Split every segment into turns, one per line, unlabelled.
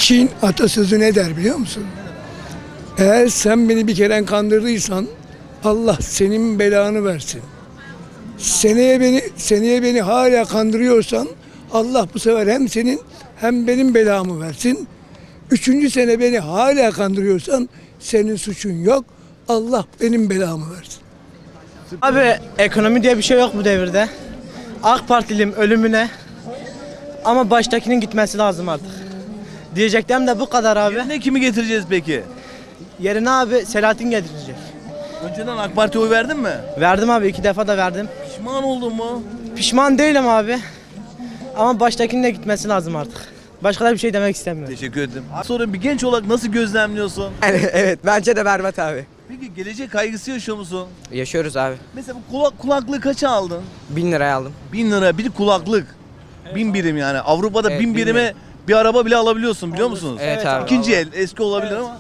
Çin atasözü ne der biliyor musun? Eğer sen beni bir kere kandırdıysan Allah senin belanı versin. Seneye beni hala kandırıyorsan Allah bu sefer hem senin hem benim belamı versin. Üçüncü sene beni hala kandırıyorsan senin suçun yok. Allah benim belamı versin.
Abi ekonomi diye bir şey yok bu devirde. AK Partiliyim ölümüne. Ama baştakinin gitmesi lazım artık. Diyeceklerim de bu kadar abi.
Ne kimi getireceğiz peki?
Yerine abi Selahattin getirecek.
Önceden AK Parti'ye oy verdin mi?
Verdim abi 2 defa da verdim.
Pişman oldun mu?
Pişman değilim abi. Ama baştakinin de gitmesi lazım artık. Başka da bir şey demek istemiyorum.
Teşekkür ederim. Sonra bir genç olarak nasıl gözlemliyorsun?
Evet bence de berbat abi.
Peki gelecek kaygısı yaşıyor musun?
Yaşıyoruz abi.
Mesela bu kulaklığı kaça aldın?
1000 liraya aldım.
1000 lira bir kulaklık. 1000 birim yani. Avrupa'da
Evet,
1000 birime bir araba bile alabiliyorsun biliyor musunuz?
Evet abi.
İkinci el eski olabilir ama.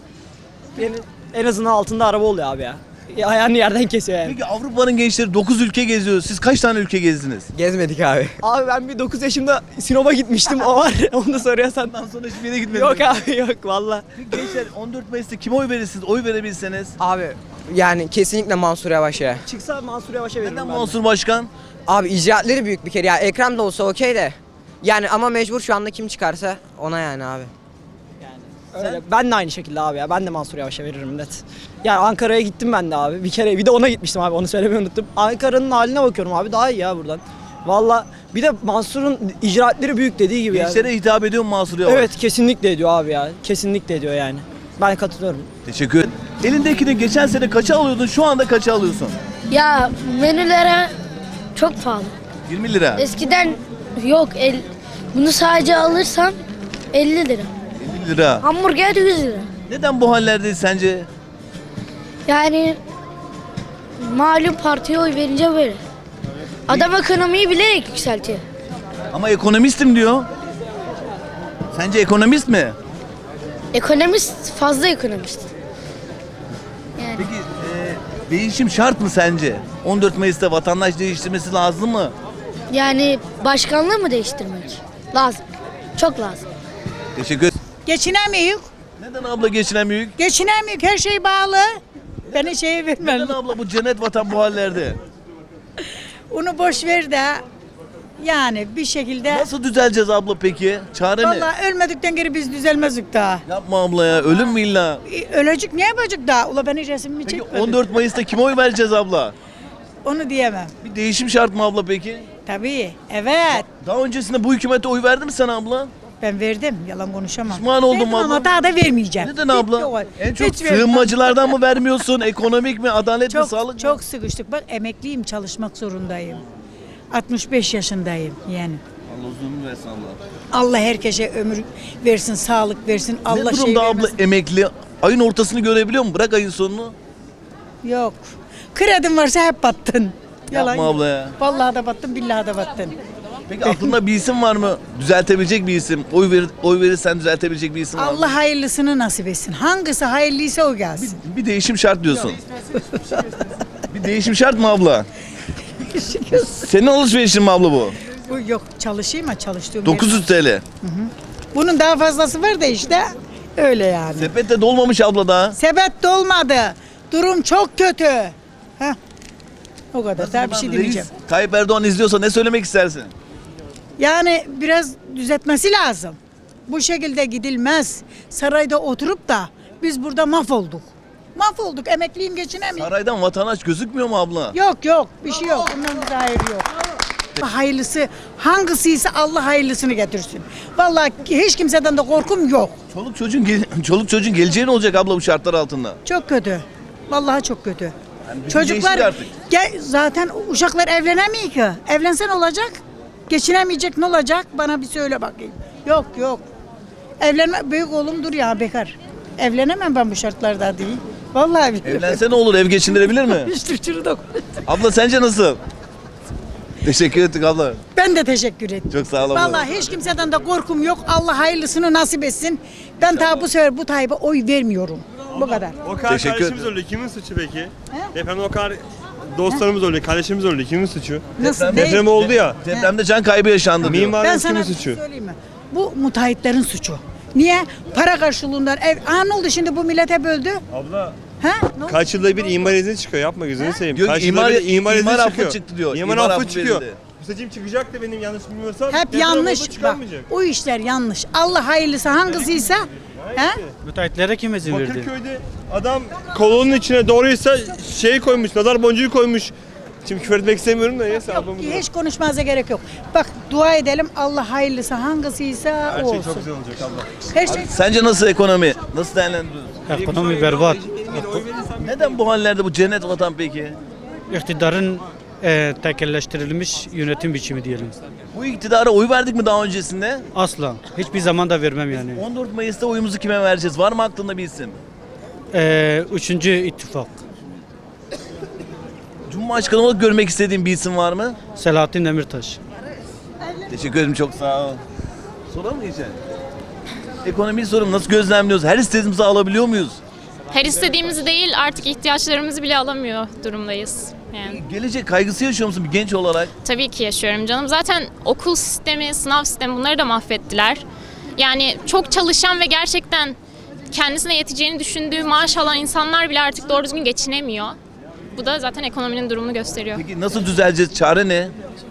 En azından altında araba oluyor abi ya. Ayağını yerden kesiyor yani.
Peki Avrupa'nın gençleri 9 ülke geziyor. Siz kaç tane ülke gezdiniz?
Gezmedik abi.
Abi ben bir 9 yaşımda Sinop'a gitmiştim o var. Onu da soruyorsan.
Ondan sonra hiçbir yere gitmediniz.
Yok abi yok valla.
Peki gençler 14 Mayıs'ta kime oy verirsiniz? Oy verebilseniz.
Abi yani kesinlikle Mansur Yavaş'a.
Çıksa Mansur Yavaş'a veririm
Neden
ben.
Mansur Başkan?
Abi icraatları büyük bir kere ya. Ekrem de olsa okey de. Yani ama mecbur şu anda kim çıkarsa ona yani abi.
Öyle. Ben de aynı şekilde abi ya. Ben de Mansur Yavaş'a veririm net. Yani Ankara'ya gittim ben de abi. Bir kere bir de ona gitmiştim abi. Onu söylemeyi unuttum. Ankara'nın haline bakıyorum abi. Daha iyi ya buradan. Valla bir de Mansur'un icraatleri büyük dediği gibi ya.
Gençlere hitap ediyor mu Mansur Yavaş?
Evet kesinlikle ediyor abi ya. Kesinlikle ediyor yani. Ben katılıyorum.
Teşekkür ederim. Elindekini geçen sene kaça alıyordun? Şu anda kaça alıyorsun?
Ya menülere çok pahalı.
20 lira.
Eskiden yok. Bunu sadece alırsan 50 lira.
50 lira.
Hamburger 100 lira.
Neden bu hallerdeyiz sence?
Yani malum partiye oy verince böyle. Adam ekonomiyi bilerek yükseltiyor.
Ama ekonomistim diyor. Sence ekonomist mi?
Ekonomist fazla ekonomist. Yani
Peki değişim şart mı sence? 14 Mayıs'ta vatandaş değiştirmesi lazım mı?
yani başkanlığı mı değiştirmek? Lazım. Çok lazım.
Teşekkür ederim.
Geçinemiyor.
Neden abla geçinemiyor?
Geçinemiyor. Her şey bağlı. Beni şeye vermem.
Neden abla bu cennet vatan bu hallerde?
Onu boş ver de yani bir şekilde
Nasıl düzeleceğiz abla peki? Çare ne?
vallahi ölmedikten geri biz düzelmezdik daha.
Yapma abla ya. Ölüm mü illa?
Ölecek ne yapacak daha? Ula beni resmimi
Peki
çekmedi.
14 Mayıs'ta kime oy vereceğiz abla?
Onu diyemem.
Bir değişim şart mı abla peki?
Tabii. Evet.
Daha öncesinde bu hükümete oy verdi mi sen abla?
Ben verdim. Yalan konuşamam.
Pişman oldum
Verdim
abla.
ama daha da vermeyeceğim.
Neden
Bitti
abla?
o.
En çok
Hiç vermem.
sığınmacılardan mı vermiyorsun? Ekonomik mi? Adalet mi?
Çok,
Sağlık mı?
çok sıkıştık. Bak emekliyim, çalışmak zorundayım. 65 yaşındayım yani.
Allah uzun versin Allah.
Allah herkese ömür versin, sağlık versin. Allah
Ne
şey
durumda abla
vermesin.
emekli? Ayın ortasını görebiliyor mu? Bırak ayın sonunu.
Yok. Kredin varsa hep battın.
Yapma
yok.
abla ya.
Vallahi da battın, billahi da battın.
Peki aklında bir isim var mı? Düzeltebilecek bir isim. Oy verirsen düzeltebilecek bir isim var mı?
Allah hayırlısını nasip etsin. Hangisi hayırlıysa o gelsin.
Bir değişim şart diyorsun. Bir değişim şart mı abla? Senin alışverişin mi abla bu?
Bu yok çalışayım ama çalıştığım
900 TL.
yer- Bunun daha fazlası var da işte öyle yani.
Sepette dolmamış abla daha.
Sepet dolmadı. Durum çok kötü. Heh. O kadar. Daha bir şey demeyeceğim.
Reis Tayyip Erdoğan izliyorsa ne söylemek istersin?
Yani biraz düzeltmesi lazım. Bu şekilde gidilmez. Sarayda oturup da biz burada mahvolduk. Mahvolduk. Emekliyim geçinemiyorum.
Saraydan vatandaş gözükmüyor mu abla?
Yok yok. Bir şey yok. Bundan bir hayır yok. Hayırlısı hangisiyse Allah hayırlısını getirsin. Vallahi hiç kimseden de korkum yok.
Çoluk çocuğun geleceği ne olacak abla bu şartlar altında?
Çok kötü. Vallahi çok kötü.
bizi
Çocuklar
değiştir artık.
zaten uşaklar evlenemiyor ki. Evlensen olacak. Geçinemeyecek ne olacak? Bana bir söyle bakayım. Yok yok. Evlenme büyük oğlum dur ya bekar. Evlenemem ben bu şartlarda değil. Vallahi biliyorum.
Evlense ne olur, ev geçindirebilir mi?
İşte şurada.
Abla sence nasıl? Teşekkür ettik abla.
Ben de teşekkür ederim.
Çok sağ ol abla.
Vallahi hiç kimseden de korkum yok. Allah hayırlısını nasip etsin. Ben daha bu sefer bu Tayyip'e oy vermiyorum. Bu kadar.
O kadar
Teşekkür
kardeşimiz
ederim.
öldü. Kimin suçu peki? Depremde o kadar dostlarımız öldü, kardeşimiz öldü. Kimin suçu?
Nasıl? Ne?
Deprem oldu ya.
Depremde can kaybı yaşandı diyor.
Mimarın
Ben
kimin
sana bir şey
suçu?
söyleyeyim mi? Bu müteahhitlerin suçu. Niye? Para karşılığından ev. Ne oldu şimdi bu millete böldü?
Abla
Ha? Ne oldu?
kaç yılda bir imar izni çıkıyor, yapma gözünü seveyim.
Diyor ki
Kaç yılda bir imar izni
affı
çıkıyor.
çıktı diyor.
İmar
İmar
affı
affı
çıkıyor.
verildi.
Bu seçim çıkacak da benim yanlış bilmiyorsam.
Hep
deprem
yanlış
oldu,
bak.
çıkarmayacak.
O işler yanlış. Allah hayırlısı hangisiyse. Ha?
Müteahhitlere kim izin verdi?
Bakırköy'de adam kolonun içine doğruysa şey koymuş, nazar boncuğu koymuş. Şimdi küfür etmek istemiyorum da neyse ablamın.
Hiç konuşmanıza gerek yok. Bak dua edelim Allah hayırlısı hangisiyse
Her
o
şey
olsun.
çok güzel olacak abla.
Her şey
Sence nasıl ekonomi? Nasıl değerlendiriyorsun?
Ekonomi berbat.
Neden bu hallerde bu cennet vatan peki?
İktidarın tekelleştirilmiş yönetim biçimi diyelim.
Bu iktidara oy verdik mi daha öncesinde?
Asla. Hiçbir zaman da vermem yani.
14 Mayıs'ta oyumuzu kime vereceğiz? Var mı aklında bir isim?
Üçüncü ittifak.
Cumhurbaşkanı olarak görmek istediğin bir isim var mı?
Selahattin Demirtaş.
Teşekkür ederim, çok sağ ol. Sorar mı geçen? Ekonomiyi sorum, nasıl gözlemliyoruz? Her istediğimizi alabiliyor muyuz?
Her istediğimizi değil artık ihtiyaçlarımızı bile alamıyor durumdayız. Yani
Gelecek kaygısı yaşıyor musun bir genç olarak?
tabii ki yaşıyorum canım. Zaten okul sistemi, sınav sistemi bunları da mahvettiler. Yani çok çalışan ve gerçekten kendisine yeteceğini düşündüğü maaş alan insanlar bile artık doğru düzgün geçinemiyor. Bu da zaten ekonominin durumunu gösteriyor.
Peki nasıl düzeleceğiz? Çare ne?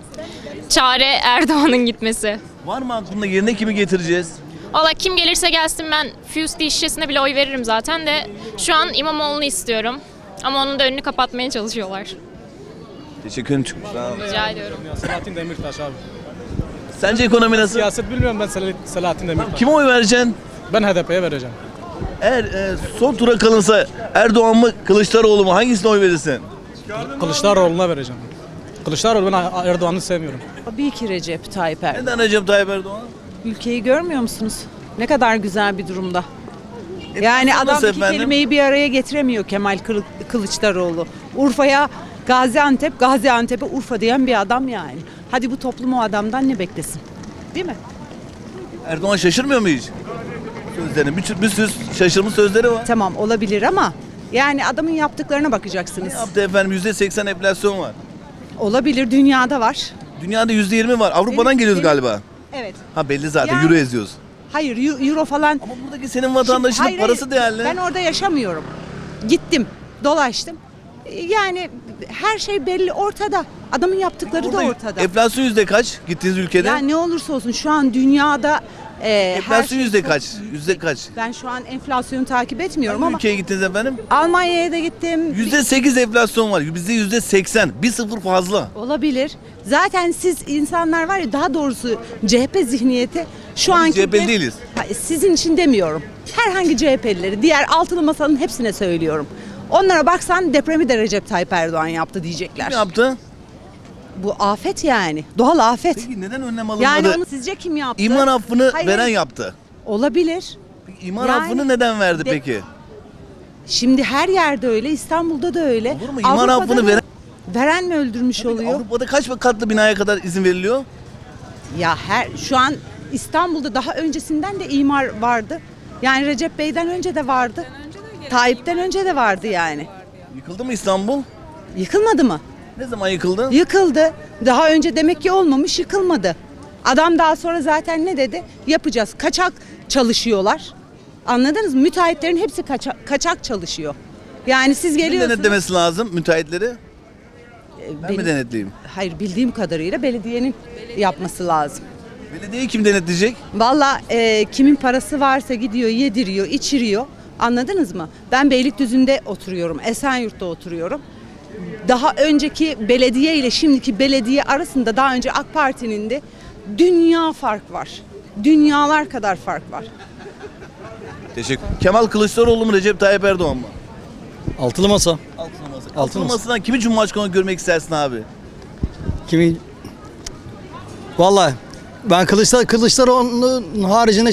Çare Erdoğan'ın gitmesi.
Var mı aklında, yerine kimi getireceğiz?
Valla kim gelirse gelsin ben Fusti şişesine bile oy veririm zaten de şu an İmamoğlu'nu istiyorum. Ama onun da önünü kapatmaya çalışıyorlar.
Teşekkür ederim, çok sağ ol.
Rica ediyorum.
Selahattin Demirtaş abi.
Sence ekonomi nasıl?
Siyaset bilmiyorum ben Selahattin Demirtaş.
Kime oy vereceksin?
Ben HDP'ye vereceğim.
Eğer son tura kalınsa Erdoğan mı Kılıçdaroğlu mu, hangisine oy verirsin?
Kılıçdaroğlu'na vereceğim. Kılıçdaroğlu, ben Erdoğan'ı sevmiyorum.
Tabii ki Recep Tayyip Erdoğan.
Neden Recep Tayyip Erdoğan?
Ülkeyi görmüyor musunuz? Ne kadar güzel bir durumda. Yani adam
nasıl
iki
efendim?
kelimeyi bir araya getiremiyor Kemal Kılıçdaroğlu. Urfa'ya Gaziantep, Gaziantep'e Urfa diyen bir adam yani. Hadi bu toplum o adamdan ne beklesin? Değil mi?
Erdoğan şaşırmıyor mu hiç? Sözlerini, bir sürü şaşırmış sözleri var.
Tamam olabilir ama yani adamın yaptıklarına
Ne
bakacaksınız.
yaptı efendim? %80 enflasyon var.
Olabilir, dünyada var.
Dünyada %20 var. Avrupa'dan
Benim-
geliyoruz
benim-
galiba.
Evet.
Ha belli zaten,
Yani-
euro eziyoruz.
Hayır, euro falan.
Ama buradaki senin vatandaşının
Hayır,
parası
hayır.
değerli.
Ben orada yaşamıyorum. Gittim, dolaştım. Yani her şey belli ortada. Adamın yaptıkları da
Burada
ortada.
enflasyon yüzde kaç gittiğiniz ülkede?
Ya ne olursa olsun şu an dünyada her
enflasyon
şey
yüzde
çok-
kaç? Yüzde kaç?
Ben şu an enflasyonu takip etmiyorum
Hangi
ama
ülkeye gittiniz efendim?
Almanya'ya da gittim.
%8 enflasyon var. Bizde %80. 1-0 fazla.
Olabilir. Zaten siz insanlar var ya, daha doğrusu CHP zihniyeti şu
Biz
anki
CHP'li değiliz.
Hayır, sizin için demiyorum. Herhangi CHP'lileri, diğer altılı masanın hepsine söylüyorum. Onlara baksan depremi de Recep Tayyip Erdoğan yaptı diyecekler.
Kim yaptı?
Bu afet yani. Doğal afet.
Peki neden önlem alınmadı?
Yani onu sizce kim yaptı?
İmar affını
Hayır,
veren
hayır.
yaptı.
Olabilir.
Peki imar
Yani
affını neden verdi
de-
peki?
Şimdi her yerde öyle, İstanbul'da da öyle.
Olur mu? İmar
Avrupa'da
affını
da-
veren...
Veren mi öldürmüş oluyor?
Avrupa'da kaç katlı binaya kadar izin veriliyor?
Ya şu an İstanbul'da daha öncesinden de imar vardı. Yani Recep Bey'den önce de vardı. Tayyip'ten önce de vardı yani.
Yıkıldı mı İstanbul?
Yıkılmadı mı?
Ne zaman yıkıldı?
Yıkıldı. Daha önce demek ki olmamış, yıkılmadı. Adam daha sonra zaten ne dedi? Yapacağız. Kaçak çalışıyorlar. Anladınız mı? Müteahhitlerin hepsi kaçak çalışıyor. Yani siz
Kimin
geliyorsunuz.
denetlemesi lazım müteahhitleri? Ben mi
Benim-
denetleyeyim?
Hayır, bildiğim kadarıyla belediyenin yapması lazım.
Belediyeyi kim denetleyecek?
Valla kimin parası varsa gidiyor, yediriyor, içiriyor. Anladınız mı? Ben Beylikdüzü'nde oturuyorum, Esenyurt'ta oturuyorum. Daha önceki belediye ile şimdiki belediye arasında daha önce AK Parti'nin de dünya fark var. Dünyalar kadar fark var.
Teşekkür. Kemal Kılıçdaroğlu mu Recep Tayyip Erdoğan mı?
Altılı masa.
Altılı masa.
Altılı
Altılı
masa.
masadan kimi cumhurbaşkanı görmek istersin abi?
Kimi? Vallahi ben Kılıçdaroğlu'nun haricinde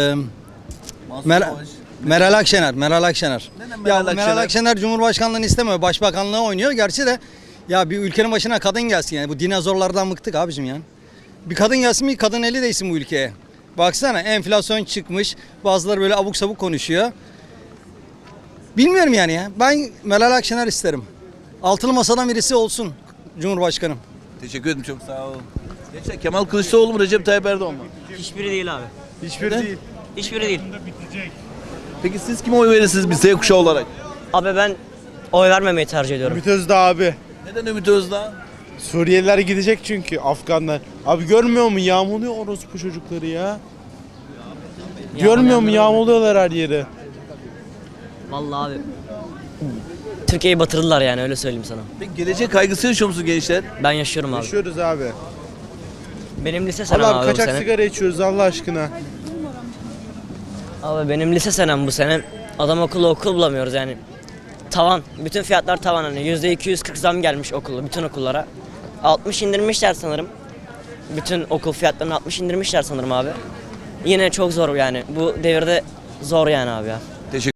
Mansur
Mer-
Yavaş.
Meral Akşener. Meral Akşener.
Neden
Ya
Meral
Meral
Akşener?
Akşener Cumhurbaşkanlığını istemiyor. Başbakanlığı oynuyor. Gerçi de ya bir ülkenin başına kadın gelsin yani. Bu dinozorlardan bıktık abicim ya. Bir kadın gelsin, bir kadın eli değsin bu ülkeye. Baksana enflasyon çıkmış. Bazıları böyle abuk sabuk konuşuyor. Bilmiyorum yani ya. Ben Meral Akşener isterim. Altılı masadan birisi olsun Cumhurbaşkanım.
Teşekkür ederim, çok sağ olun. Gençler, Kemal Kılıçdaroğlu mu Recep Tayyip Erdoğan mı?
Hiçbiri değil abi.
Hiçbiri
Neden?
değil.
Hiçbiri değil.
Peki siz kime oy verirsiniz bir Z kuşağı olarak?
Abi ben oy vermemeyi tercih ediyorum.
Ümit Özdağ abi.
Neden Ümit Özdağ?
Suriyeliler gidecek çünkü Afganlar. Abi görmüyor mu yağmuluyor orospu çocukları ya. Görmüyor mu yağmuluyorlar her yeri.
Vallahi abi. Türkiye'yi batırdılar yani öyle söyleyeyim sana.
Peki gelecek kaygısı yaşıyor musunuz gençler?
Ben yaşıyorum abi.
Yaşıyoruz abi.
Benim lise senem
Allah
abi bu
kaçak
sene.
sigara içiyoruz Allah aşkına.
Abi benim lise senem bu sene. Adam okul bulamıyoruz yani. Tavan. Bütün fiyatlar tavan hani. %240 zam gelmiş bütün okullara. 60 indirmişler sanırım. Bütün okul fiyatlarını 60 indirmişler sanırım abi. Yine çok zor yani. Bu devirde zor yani abi ya.